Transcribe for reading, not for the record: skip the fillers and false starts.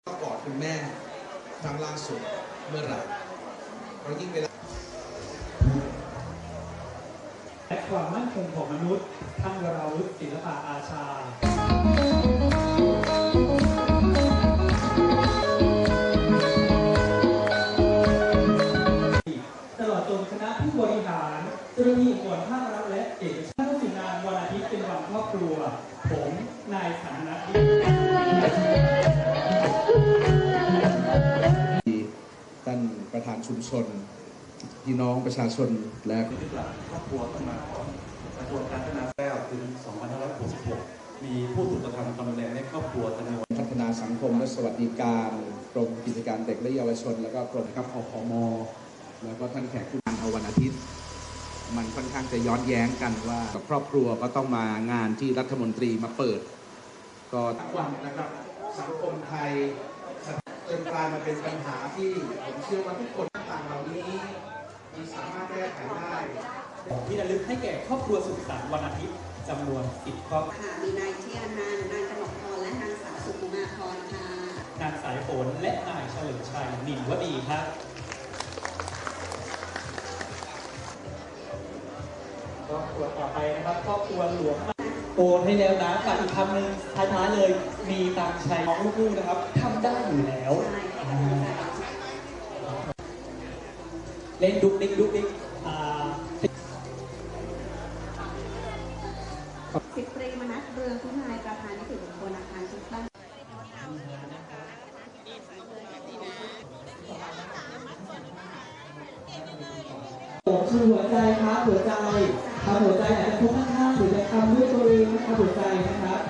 ก็กอดคุณแม่ครั้งล่าสุดเมื่อไหร่เพราะยิ่งเวลาและความมั่นคงของมนุษย์ท่านวราวุฒิศิลปะอาชาตลอดจนคณะผู้บริหารเจ้าหน้าที่องค์กรภาครัฐและเอกชนทุกสิ่งงานวันอาทิตย์เป็นวันครอบครัวผมนายสันนัทท่านประธานชุมชนพี่น้องประชาชนและครอบครัวต้องมาก่อนกระทรวงการพัฒนาแล้วถึง 2566 มีผู้ถูกกระทำความรุนแรงในครอบครัวจำนวนพัฒนาสังคมและสวัสดิการกรมกิจการเด็กและเยาวชนแล้วก็กรมครับอพมแล้วก็ท่านแขกผู้นำเอาวันอาทิตย์มันค่อนข้างจะย้อนแย้งกันว่ากับครอบครัวก็ต้องมางานที่รัฐมนตรีมาเปิดก็ทั้งวันนะครับสังคมไทยจนกลายมาเป็นปัญหาที่ผมเชื่อว่าทุกคนต่างเหล่านี้มันสามารถแก้ไขได้ที่ระลึกให้แก่ครอบครัวสุขสันต์วันอาทิตย์จำนวน10ครอบครัวมีนายเทียนันท์นางกนกพรและนางสาวสุขุมาพรค่ะนางสายฝนและนายเฉลิมชัยนินวดีครับครอบครัวต่อไปนะครับครอบครัวหลวงโอนให้แล้วนะกับอีกคำหนึ่งท้ายๆเลยมีตามชัยน้องลูกๆนะครับทำได้อยู่แล้วเล่นดุกดิกดุกดิกสิบตรีมนัสเรืองพิมายประธานนิติบุคคลอาคารชุดบ้านคือหัวใจครับหัวใจทำหัวใจอาจจะทุกข้างๆหรือจะทำด้วยตัวเองนะครับหัวใจนะครับ